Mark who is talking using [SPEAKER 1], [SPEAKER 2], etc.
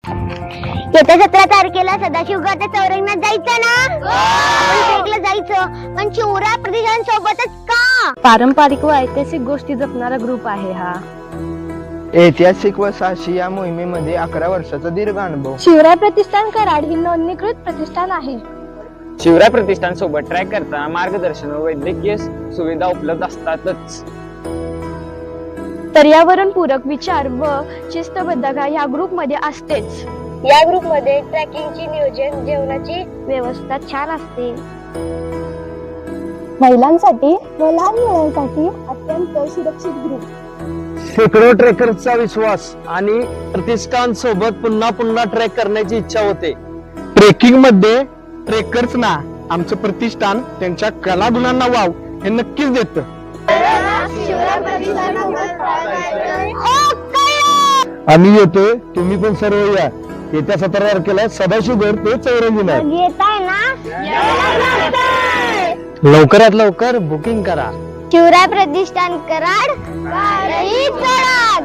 [SPEAKER 1] येत्या 17 तारखेला सदाशिवगडच्या चौरंगणात जायचं ना? ट्रेकला जायचं, पण शिवराय प्रतिष्ठानसोबतच का?
[SPEAKER 2] पारंपरिक व ऐतिहासिक गोष्टी जपणारा ग्रुप आहे हा.
[SPEAKER 3] ऐतिहासिक व साहसी या मोहिमेमध्ये 11 वर्षाचा दीर्घ अनुभव.
[SPEAKER 2] शिवराय प्रतिष्ठान कराड ही नोंदणीकृत प्रतिष्ठान आहे.
[SPEAKER 4] शिवराय प्रतिष्ठान सोबत ट्रॅक करताना मार्गदर्शन व वैद्यकीय सुविधा उपलब्ध असतातच.
[SPEAKER 2] पर्यावरण पूरक विचार व शिस्तबद्धता या ग्रुप मध्ये असतेच.
[SPEAKER 1] या ग्रुप मध्ये ट्रॅकिंगची नियोजन, जेवणाची व्यवस्था छान असते.
[SPEAKER 2] महिलांसाठी व लहान मुलांसाठी अत्यंत सुरक्षित ग्रुप.
[SPEAKER 5] शेकडो ट्रेकर्सचा विश्वास आणि प्रतिष्ठान सोबत पुन्हा पुन्हा ट्रेक करण्याची इच्छा होते. ट्रेकिंग मध्ये ट्रेकर्सना आमचं प्रतिष्ठान त्यांच्या कलागुणांना वाव हे नक्कीच देतं. आम्ही येतोय, तुम्ही पण सर्व या. येत्या 17 तारखेला सदाशिवगड ते चौरंगीला.
[SPEAKER 1] येताय ना?
[SPEAKER 5] लवकरात लवकर बुकिंग करा.
[SPEAKER 1] शिवराय प्रतिष्ठान कराड.